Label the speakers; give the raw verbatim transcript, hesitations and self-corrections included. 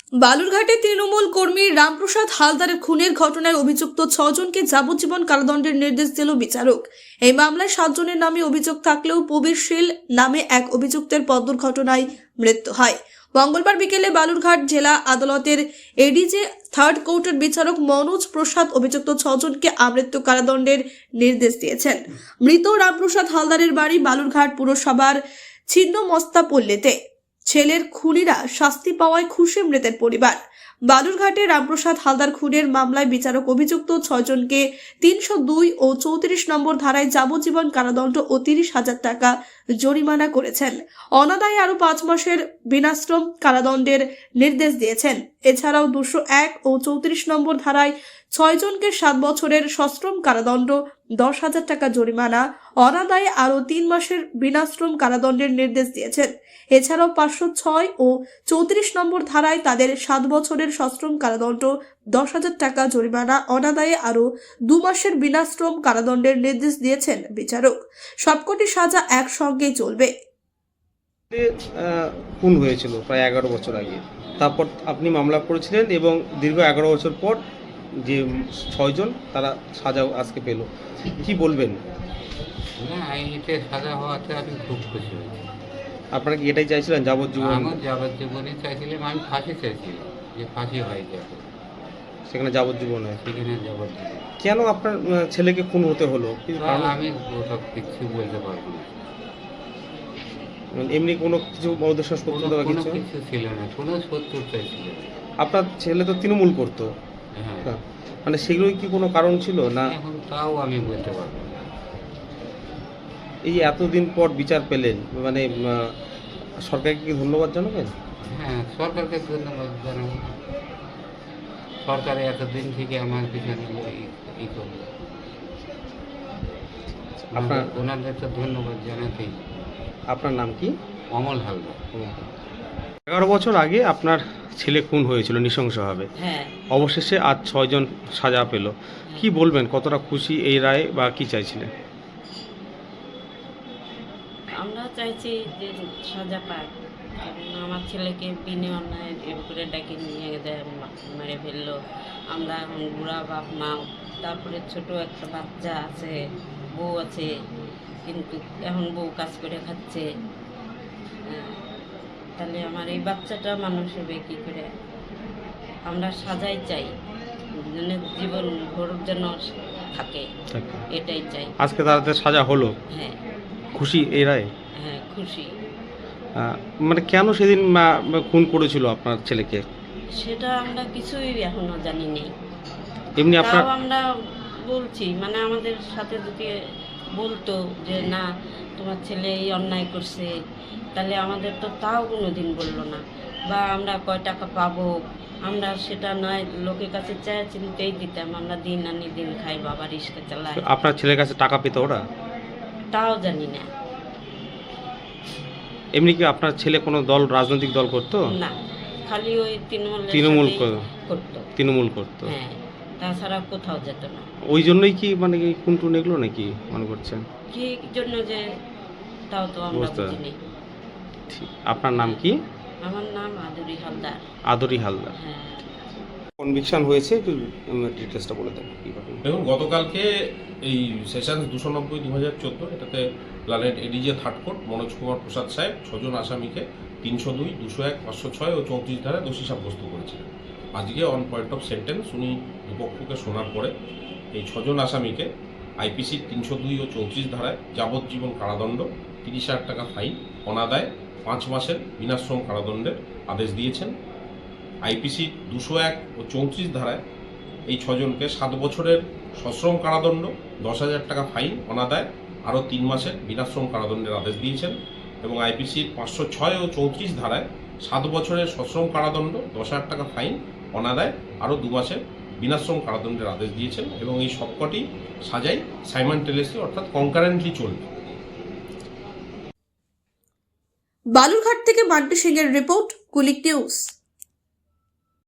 Speaker 1: বালুরঘাটে তৃণমূল কর্মী রামপ্রসাদ হালদারের খুনের ঘটনায় অভিযুক্ত ছজনকে যাবজ্জীবন কারাদণ্ডের নির্দেশ দিল বিচারক। এই মামলায় সাতজনের নামে অভিযোগ থাকলেও প্রবীর শীল নামে এক অভিযুক্তের পথ দুর্ঘটনায় মৃত্যু হয়। মঙ্গলবার বিকেলে বালুরঘাট জেলা আদালতের এডিজে থার্ড কোর্টের বিচারক মনোজ প্রসাদ অভিযুক্ত ছজনকে আমৃত্যু কারাদণ্ডের নির্দেশ দিয়েছেন। মৃত রামপ্রসাদ হালদারের বাড়ি বালুরঘাট পুরসভার ছিন্নমস্তাপল্লীতে। ছেলের খুনিরা শাস্তি পাওয়ায় খুশি মৃতের পরিবার। বালুরঘাটে রামপ্রসাদ হালদার খুনের মামলায় বিচারক অভিযুক্ত ছজনকে তিনশো দুই ও চৌত্রিশ নম্বর ধারায় যাবজ্জীবন কারাদণ্ড ও তিরিশ হাজার টাকা জরিমানা করেছেন। অনাদায়ে আরো পাঁচ মাসের বিনাশ্রম কারাদণ্ডের নির্দেশ দিয়েছেন। এছাড়াও দুশো এক ও চৌত্রিশ নম্বর ধারায় ছয় জনকে সাত বছরের সশ্রম কারাদণ্ড, দশ হাজার টাকা জরিমানা, অনাদায়ে আরো তিন মাসের বিনাশ্রম কারাদণ্ডের নির্দেশ দিয়েছেন। এছাড়াও পাঁচশো ছয় ও চৌত্রিশ নম্বর ধারায় তাদের সাত বছরের সশ্রম কারাদণ্ড, দশ হাজার টাকা জরিমানা, অনাদায়ে আরো দু মাসের বিনাশ্রম কারাদণ্ডের নির্দেশ দিয়েছেন বিচারক। সবকটি সাজা একসঙ্গেই চলবে।
Speaker 2: খুন হয়েছিল প্রায় এগারো বছর আগে, তারপর আপনি মামলা করেছিলেন এবং দীর্ঘ এগারো বছর পর যে ছয়জন তারা সাজা আজকে পেল, কি বলবেন?
Speaker 3: না, আইনিতে সাজা হওয়াতে আমি খুব খুশি হয়েছি।
Speaker 2: আপনারা কি এটাই চাইছিলেন, যাবজ্জীবন?
Speaker 3: আমার যাবজ্জীবনই চাইছিলাম, আমি ফাঁসি চাইছিলাম যে ফাঁসি হয়ে যাবে,
Speaker 2: সেখানে যাবজ্জীবন হয়।
Speaker 3: সেখানে যাবজ্জীবন।
Speaker 2: কেন আপনার ছেলেকে খুন হতে হলো?
Speaker 3: আমি ওসব কিছু বলতে পারবো না।
Speaker 2: এমনি কোনো কিছু উদ্দেশ্য শত্রুতা বা
Speaker 3: কোনো
Speaker 2: কিছু
Speaker 3: কিছু ছিল না, কোনো শত্রুতাই ছিল না।
Speaker 2: আপনার ছেলে তো তৃণমূল করতো,
Speaker 3: হ্যাঁ,
Speaker 2: মানে সেগুলোই কি কোনো কারণ ছিল না?
Speaker 3: এখন তাও আমি বলতে পারবো না।
Speaker 2: এই এতদিন পর বিচার পেলেন, মানে সরকারকে কি ধন্যবাদ জানাবেন?
Speaker 3: হ্যাঁ, সরকারকে ধন্যবাদ জানাবো। সরকারে এতদিন থেকে আমার পিছনে ই করলো, আপনার ওনাদের তো ধন্যবাদ জানাতেই।
Speaker 2: আপনার নাম কি?
Speaker 3: অমল হালদার।
Speaker 2: এগারো বছর আগে আপনার ছেলে খুন হয়েছিল নৃশংসভাবে,
Speaker 4: হ্যাঁ,
Speaker 2: অবশেষে আজ ছয়জন সাজা পেল, কি বলবেন? কতটা খুশি এই রায়ে, বা কি চাইছিলেন?
Speaker 4: আমরা চাইছি যে সাজা পাক, কারণ আমার ছেলেকে বিনে অন্যায় এর করে ডেকে নিয়ে যায়, মেরে ফেললো। আমরা এখন বুড়া বাপ মা, তারপরে ছোট একটা বাচ্চা আছে, বউ আছে, কিন্তু এখন বউ কাজ করে খাচ্ছে। তাহলে আমার এই বাচ্চাটা মানুষ হবে কী করে? আমরা সাজাই চাই, মানে জীবন ভোর যেন থাকে, এটাই চাই।
Speaker 2: আজকে তাদের সাজা হলো,
Speaker 4: হ্যাঁ
Speaker 2: খুশি এই রায়ে?
Speaker 4: হ্যাঁ খুশি।
Speaker 2: মানে কেন সেদিন খুন করেছিল আপনার ছেলেকে
Speaker 4: সেটা আমরা কিছুই এখনো জানি নেই।
Speaker 2: এমনি আপনার
Speaker 4: আমরা বলছি, মানে আমাদের সাথে যদি বলতো যে না তোমার ছেলে এই অন্যায় করছে, তাহলে আমাদের তো তাও কোনো দিন বললো না। বা আমরা কয় টাকা পাবো, আমরা সেটা নয় লোকের কাছে চায় চিনতেই দিতাম। আমরা দিন আনি দিন খাই, বাবা রিক্সা চালাই।
Speaker 2: আপনার ছেলের কাছে টাকা পেত ওরা?
Speaker 4: তাও জানি না।
Speaker 2: এমনি কি আপনার ছেলে কোনো দল, রাজনৈতিক দল করতো?
Speaker 4: না, খালি ওই তৃণমূল
Speaker 2: তৃণমূল
Speaker 4: করতো।
Speaker 2: তৃণমূল করতো,
Speaker 4: হ্যাঁ, তাছাড়া কোথাও যেত না।
Speaker 2: ওই জন্যই কি মানে খুন টুন এগুলো নাকি মনে করছেন?
Speaker 4: কি জন্য যে তাও তো আমরা বুঝিনি।
Speaker 2: আপনার নাম কি?
Speaker 4: আমার নাম আদুরি হালদার।
Speaker 2: আদুরি হালদার।
Speaker 4: হ্যাঁ।
Speaker 2: কনভিকশন হয়েছে, একটু ডিটেলসটা বলে দেন কি ঘটনা।
Speaker 5: দেখুন, গতকালকে এই সেশন দুশো নব্বই দু হাজার চোদ্দো এটাতে প্ল্যানেট ADJ third court Manoj Kumar Prasad সাহেব ছজন আসামিকে তিনশো দুই দুশো এক পাঁচশো ছয় ও চৌত্রিশ ধারায় দোষী সাব্যস্ত করেছিলেন। আজকে অন পয়েন্ট অফ সেন্টেন্স উনি দুপক্ষকে শোনার পরে এই ছজন আসামিকে আইপিসির তিনশো দুই ও চৌত্রিশ ধারায় যাবজ্জীবন কারাদণ্ড, তিরিশ হাজার টাকা ফাইন, অনাদায় পাঁচ মাসের বিনাশ্রম কারাদণ্ডের আদেশ দিয়েছেন। আইপিসি দুশো এক ও চৌত্রিশ ধারায় এই ছজনকে সাত বছরের সশ্রম কারাদণ্ড, দশ হাজার টাকা ফাইন, অনাদায় আরও তিন মাসের বিনাশ্রম কারাদণ্ডের আদেশ দিয়েছেন। এবং আইপিসির পাঁচশো ছয় ও চৌত্রিশ ধারায় সাত বছরের সশ্রম কারাদণ্ড, দশ হাজার টাকা ফাইন, অনাদায় আরও দু মাসের বিনাশ্রম কারাদণ্ডের আদেশ দিয়েছেন। এবং এই সবকটি সাজাই সাইমানটেনিয়াসলি অর্থাৎ কনকারেন্টলি চলবে।
Speaker 1: বালুরঘাট থেকে মান্টু সিং এর রিপোর্ট, কুলিক নিউজ।